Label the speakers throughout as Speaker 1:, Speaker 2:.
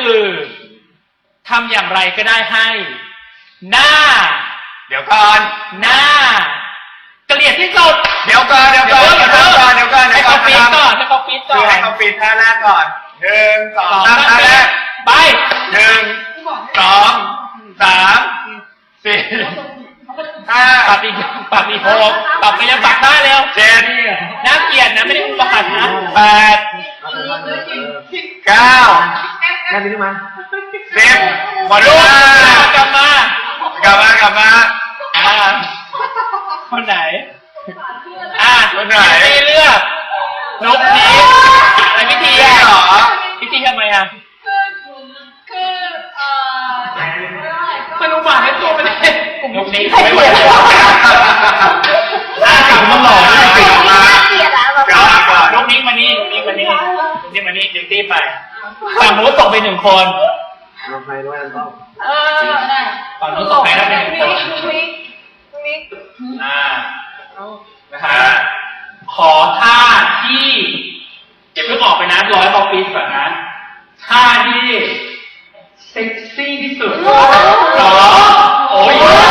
Speaker 1: คือทำอย่างไรก็ได้ให้หน้า
Speaker 2: เดี๋ยวก่อน
Speaker 1: หน้าเกลียดที่สุด
Speaker 2: เดี๋ยวก่อนให้เขาปีดก่อนคือให้เขาปีดท่าแรกก่อน1 2 3ท่าแรก
Speaker 1: ไป
Speaker 2: 1 2 3 4 5
Speaker 1: ปัดอีก6ปัดไปยังปัดได้เร็ว
Speaker 2: 7
Speaker 1: น่าเกลียดนะไม่ได้อุปหันนะ
Speaker 2: 8 9
Speaker 3: นั่นนี่มา
Speaker 2: 10หมดเวล
Speaker 1: ากลับมาคนไหน
Speaker 2: คนไหน
Speaker 1: เลือกนุกนี้อะไรพิธี
Speaker 2: เหรอ
Speaker 1: พิธีทำไมมันอุบาทให้ตัวมันเองนุกนี้ไม่ไหว
Speaker 2: มันหล่อไม่ติดมา
Speaker 1: นุกนี้มานี่เดี๋ยวตีไปฝั่งนู้นส่งไป1 คน
Speaker 3: เราไปด้วยกันต้อง
Speaker 1: ได้ฝั่งนู้นส่งไปแล้ว1 คนขอท่าที่เดี๋ยวเพิ่งออกไปนะ100 บอลปีก่อนนะท่าที่เซ็กซี่ที่สุดโอ้ย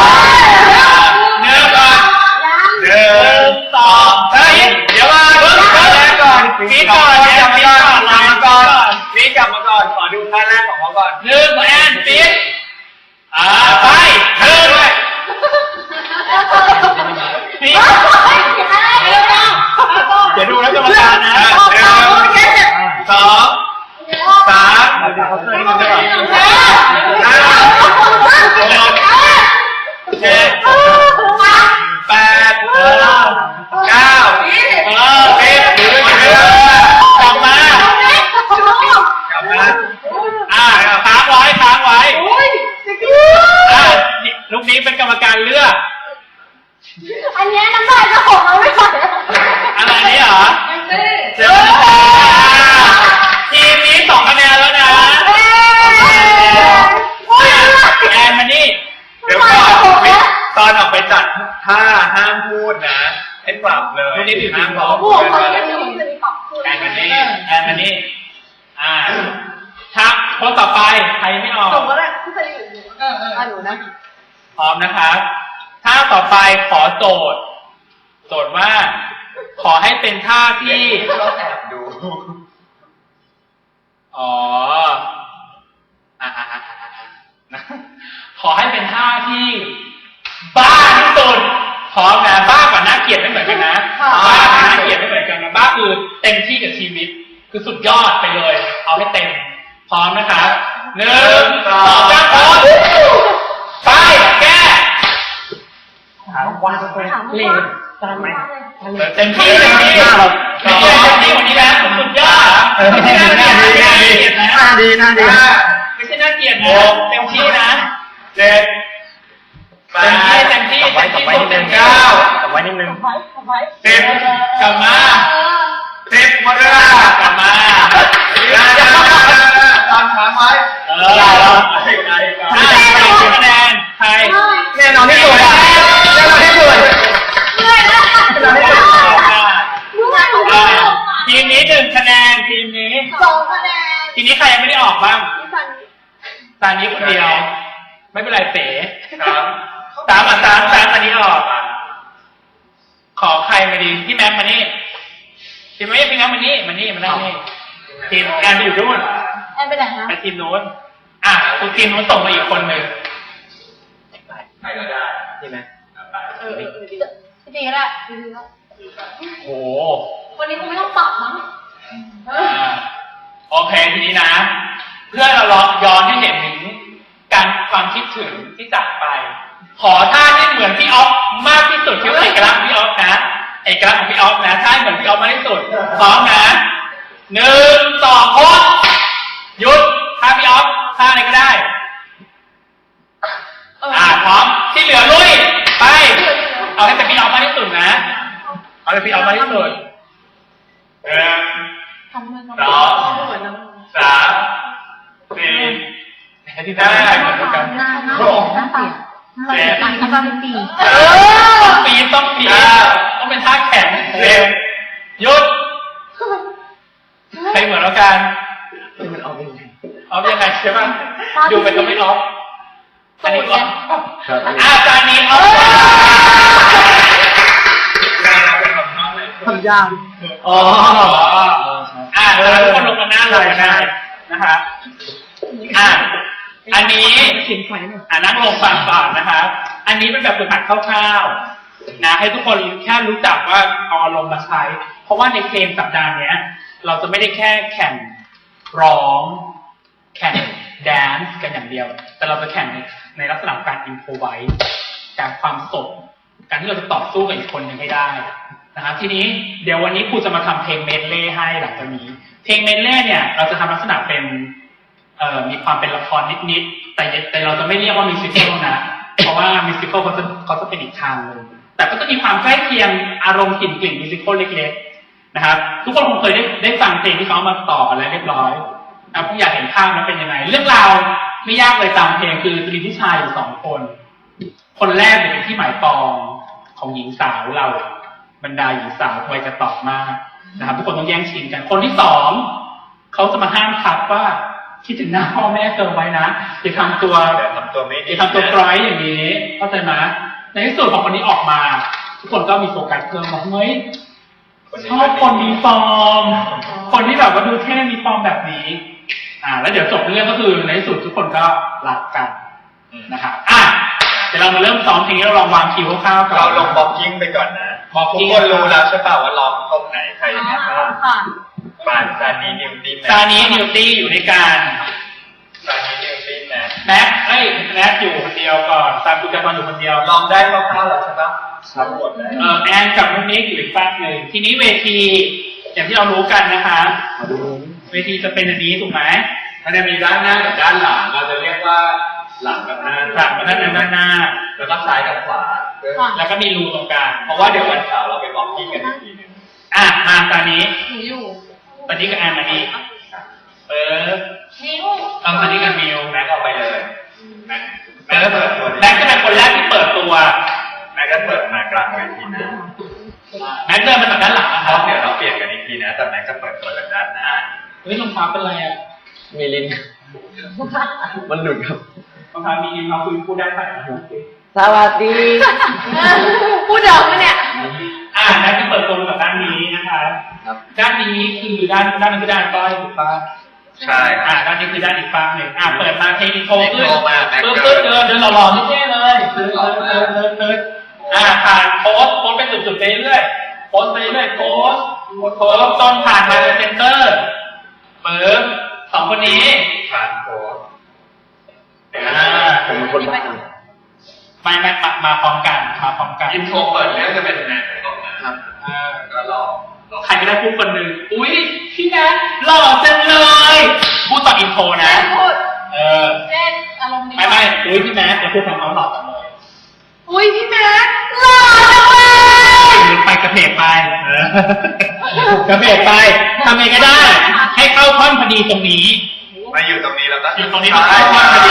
Speaker 1: 1 ก่อน1 2 3เดี๋ยวมา
Speaker 2: ก่อน
Speaker 1: ปีก่อน
Speaker 2: กลับมาก่อนขอดูท่าแรกของเขาก่อน
Speaker 1: 1แอนปีไปปีเดี๋ยวดูแล้วกรรมการนะ
Speaker 2: 1 2 3
Speaker 1: กลับมาค้างไว้ลูกนี้เป็นกรรมการเลือก
Speaker 4: อันนี้น้ำลายจะหกแล้วไม่ไหว
Speaker 1: อะไรนี้เหรอทีมนี้2 คะแนนแล้วนะแอนมานี่
Speaker 2: เดี๋ยวก่อนตอนออกไปจัดท่าห้ามพูดนะให้ปรับเลยห้ามบอก
Speaker 1: แอนมานี่ครับคนต่อไปใครไม่ออก
Speaker 4: ส่งก็ได้ที่จะอยู่หนูนะ
Speaker 1: พร้อมนะครับท่าต่อไปขอโจทย์ว่าขอให้เป็นท่าที่
Speaker 2: เราแอบดู
Speaker 1: ขอให้เป็นท่าที่บ้าที่สุดพร้อมนะบ้ากับน่าเกลียดไม่เหมือนกันนะบ้ากับน่าเกลียดไม่เหมือนกันนะบ้าคือเต็มที่กับชีวิตคือสุดยอดไปเลยเอาให้เต็มพร้อมนะครับ1 2 3พร้อมไปแก้เล่นตามไหมเต็มที่วันนี้แล้วสุดยอดไม่ใช่น่าเกลียดนะไม่ใช่น่าเกลียดนะเต็มที่นะ
Speaker 2: 7 8
Speaker 1: เต็มที่
Speaker 2: 9
Speaker 3: ไว้นิดนึง
Speaker 2: 10
Speaker 1: กลับมา
Speaker 2: 10หมดเวลาก
Speaker 1: ลับมา
Speaker 2: ตอนค้างไว้
Speaker 1: คะแนนใคร
Speaker 2: แน่นอนที่สุด
Speaker 1: ทีมนี้1 คะแนนทีมนี้
Speaker 4: 2 คะแนน
Speaker 1: ทีนี้ใครยังไม่ได้ออกบ้างตานี้คนเดียวไม่เป็นไรเป๋3 อันนี้ออกขอใครมาดีพี่แม็กมานี่ทีมพี่แม็กมานี่มานั่งนี่ทีมแอนไปอยู่นู่น
Speaker 4: แอนไปไหนฮะ
Speaker 1: ไปทีมนู้นคุณทีมนู้นส่งมาอีกคนหนึ่ง
Speaker 2: ใครก็ได้
Speaker 3: ใช่ไหม
Speaker 4: ดีก็ได้
Speaker 1: โอ้
Speaker 4: วันนี้คงไม่ต้องปรับมั้ง
Speaker 1: โอเคทีนี้นะเพื่อเราย้อนให้เห็นถึงการความคิดถึงที่จากไปขอท่าที่เหมือนพี่ออฟมากที่สุดคือเอกลักษณ์พี่ออฟนะเอกลักษณ์ของพี่ออฟนะท่าเหมือนพี่ออฟมากที่สุดพร้อมนะ1 2โค้ดหยุดท่าพี่ออฟท่าอะไรก็ได้พร้อมที่เหลือลุยไปเอาให้เป็นพี่ออฟมากที่สุดนะเอาให้พี่ออฟมากที่สุด
Speaker 2: 1 2 3 4ที่ได้เหมือนกัน
Speaker 4: หน้าเปลี่ยน
Speaker 1: ต้องปีต้องเป็นท่าแข็งหยุดใครเหมือนแล้วกัน
Speaker 3: มันออกยังไง
Speaker 1: ออฟยังไงใช่ป่ะดูไปก็ไม่ออฟอันนี้ออฟ
Speaker 3: ครับ
Speaker 1: จานนี้ออฟ
Speaker 3: ทำยากอ๋อ
Speaker 1: แล้วทุกคนลงมาหน้าลงมาหน้านะคะอันนี้นั่งลงฟังก่อนนะคะอันนี้เป็นแบบฝึกหัดคร่าวๆนะให้ทุกคนแค่รู้จักว่าเอาอารมณ์มาใช้เพราะว่าในเกมสัปดาห์นี้เราจะไม่ได้แค่แข่งร้องแข่งแดนซ์กันอย่างเดียว แต่เราจะแข่งในลักษณะการอินโฟไวส์การความสดการที่เราจะต่อสู้กับอีกคนหนึ่งให้ได้นะครับทีนี้เดี๋ยววันนี้ครูจะมาทำเพลงเมดเล่ให้หลังจากนี้เพลงเมดเล่เนี่ยเราจะทำลักษณะเป็นมีความเป็นละครนิดๆแต่เราจะไม่เรียกว่ามิวสิคลนะเพราะว่ามิวสิคลเขาจะเป็นอีกทางเลยแต่ก็จะมีความใกล้เคียงอารมณ์กลิ่นมิวสิคลเล็กๆนะครับทุกคนคงเคยได้ฟังเพลงที่เขามาต่ออะไรเรียบร้อยนะผมอยากเห็นภาพนั้นเป็นยังไงเรื่องราวไม่ยากเลยตามเพลงคือจะมีผู้ชายอยู่2 คนแรกเป็นที่หมายปองของหญิงสาวเราบรรดาหญิงสาววัยจะตอบมากนะครับทุกคนต้องแย่งชิงกันคนที่2เขาจะมาห้ามทับว่าคิดถึงหน้าพ่อแม่เธอไว้นะอย่าทำตัว
Speaker 2: ไม่ดี
Speaker 1: อย่าทำตัวกร้อยอย่างนี้เข้าใจไหมในที่สุดพอคนนี้ออกมาทุกคนก็มีโฟกัสเพิ่มบอกเฮ้ยชอบคนมีฟอร์มคนที่แบบว่าดูเท่มีฟอร์มแบบนี้แล้วเดี๋ยวจบเรื่องก็คือในที่สุดทุกคนก็รักกันนะครับเดี๋ยวเรามาเริ่มซ้อมเพลงนี้เราลองวางคิวคร่าวๆก่อน
Speaker 2: เราลงบ็อกกิ้งไปก่อนนะทุกคนรู้แล้วใช่ป่าวว่าร้องตรงไหนใครยังไงบ้างปานซานีนิวตี้
Speaker 1: อยู่ในการ
Speaker 2: ซานีนิวตี้นะ
Speaker 1: แม็กอยู่คนเดียวก่อนตามกุญแจตอนอยู่คนเดียว
Speaker 2: ลองได้คร่าวๆแล้วใช่ปะครับหมดเลย
Speaker 1: แอนกับน้องนิกอยู่อีกฝั่งหนึ่งทีนี้เวทีอย่างที่เรารู้กันนะคะเวทีจะเป็นอันนี้ถูกไหม
Speaker 2: มันจะมีด้านหน้ากับด้านหลังเราจะเรียกว่าหลังกับหน้า
Speaker 1: ด้านหน้า
Speaker 2: แล้วก็ซ้ายกับขวา
Speaker 1: แล้วก็มีรูตรงกลาง
Speaker 2: เพราะว่าเดี๋ยววันเสาร์เราไปบอกที่กันอีกทีนึง
Speaker 1: มาตอนนี้
Speaker 4: อยู่
Speaker 1: ตอนนี้กับแอนมานี่
Speaker 4: มิว
Speaker 1: ตอนนี้กับมิว
Speaker 2: แม็กเอาไปเลย
Speaker 1: แม็กจะเป็นคนแรกที่เปิดตัว
Speaker 2: แม็กก็เปิดมากลางเวทีนะ
Speaker 1: แม็กเดินมาจากด้านหลังนะครับ
Speaker 2: เดี๋ยวเราเปลี่ยนกันอีกทีนะแต่แม็กจะเปิดตัวจากด้านหน้า
Speaker 1: เฮ้ยรองเท้าเป็นไร
Speaker 3: มีลิ้นมันหลุดครับ
Speaker 1: รองเท้ามีลิ้นเราพูดได้ไหม
Speaker 3: สวัสดี
Speaker 4: พูดเดิมไหมเนี่ย
Speaker 1: แม็กจะเปิดตัวจากด้านนี้นะคะด้านนี้คือด้านนี้คือด้านก้อยถูกป่ะ
Speaker 2: ใช่
Speaker 1: ด้านนี้คือด้านอีกฝั่งหนึ่งเปิดมาเพลงโทรขึ้นปึ๊บเดินหล่อๆไม่เท่เลยเดินผ่านโพสเป็นจุดๆไปเรื่อยโพสไปเรื่อยโพสจนผ่านมาเป็นเซนเตอร์ปึ๊บ2 คนนี้
Speaker 2: ผ่านโพส
Speaker 3: ผมเป็นคนบ้า
Speaker 1: ไม่มาพร้อมกัน
Speaker 2: อินโทรเปิดแล้วจะเป็นแม็กนะครับก็รอ
Speaker 1: ใครก็ได้พูดคนหนึ่งอุ้ยพี่แนทหล่อจังเลยพูดตอนอินโทรนะ
Speaker 4: เล่นอารมณ์ดี
Speaker 1: ไม่อุ้ยพี่แนทจะพูดคำเขาหล่อจังเลย
Speaker 4: อุ้ยพี่แนทหล่อจังเลย
Speaker 1: ไปกระเพกไปทำไงก็ได้ให้เข้าท่อนพอดีตรงนี้
Speaker 2: มาอยู่ตรงนี้แล้วก็
Speaker 1: อยู่ตรงนี้เข้าท่อนพอดี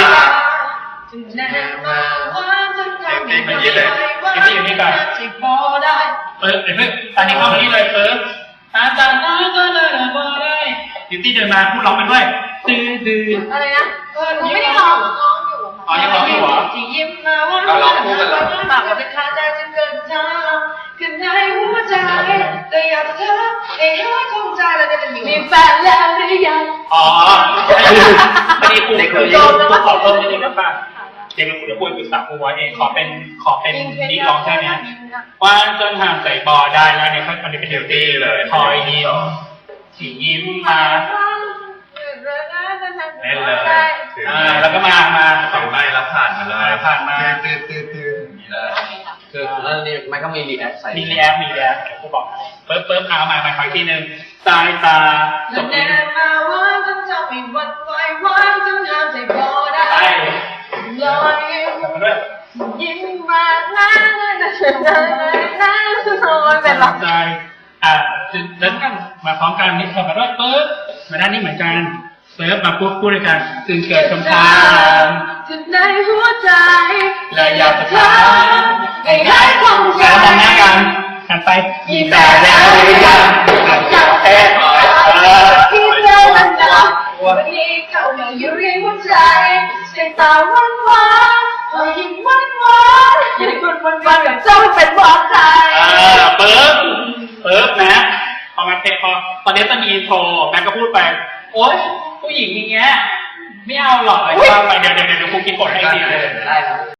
Speaker 2: มันยืดเลย
Speaker 1: อยู่นี่ก่อนเปิดตอนนี้เข้ามานี่เลยเปิดยูตี้เดินมาพูดร้องไปด้วยตื้อ
Speaker 4: อะไรนะไม่ได้ร้องอยู่
Speaker 1: ยังร้องอยู่เหรอ
Speaker 2: เราร้องคู่กันเหรอ
Speaker 4: ปากว่าจะขาดใจจนเกินทางขึ้นในหัวใจแต่อยากจะเธอให้หายคงใจแล้วจะเป็นอยู่มีแฟนแล้วหรือยัง
Speaker 1: พอดีครูขอเพิ่มนิดนึงครับเดี๋ยวคุณจะพูดปรึกษาครูไว้เองขอเป็นนี่ร้องแค่นี้ว่าจนห่างใส่บอได้แล้วเนี่ยมันจะเป็นเดลตี้เลยคอยยิ้มสียิ้มมา
Speaker 2: เล่นเลย
Speaker 1: แล้วก็มา
Speaker 2: สองใบแล้วผ่านมาเลยตื้อ
Speaker 3: นี่เลยคือแล้วนี่มันก็มีรีแอคใส่
Speaker 1: มีรีแอคเดี๋ยวครูบอกปึ๊บเอามาคอยทีนึงสายตา
Speaker 4: จบเลยมาว่าจนจะไม่หวั่นไหวว่าจนห่างใส่บอได้ลอยยิ้มมาน้าเป็นหรอ
Speaker 1: แล้วกันมาพร้อมกันนี่พอมาด้วยปึ๊บมาด้านนี้เหมือนกันปึ๊บมาพูดด้วยกันจึงเกิดคำถาม
Speaker 4: ถึงในหัวใจ
Speaker 1: และอยากจะถาม
Speaker 4: ให้ได้ความใจ
Speaker 1: แล้วมองหน้ากันหันไปมีแต่แล้วหรือยัง
Speaker 4: อยากแค่ที่เจอมันจะวันนี้เข้ามาอยู่ในหัวใจสายตาหวานหวานรอยยิ้มหวานหวานอย่าได้คุณวันวันกับเจ้าเป็นหวานใจ
Speaker 1: ปึ๊บนะพอมาเพลงพอตอนนี้จะมีอินโทรแม็กก็พูดไปโอ๊ยผู้หญิงอย่างเงี้ยไม่เอาหรอกอะไรก็ไปเดี๋ยวครูคิดบทให้ดีเลย
Speaker 3: ได้ครับ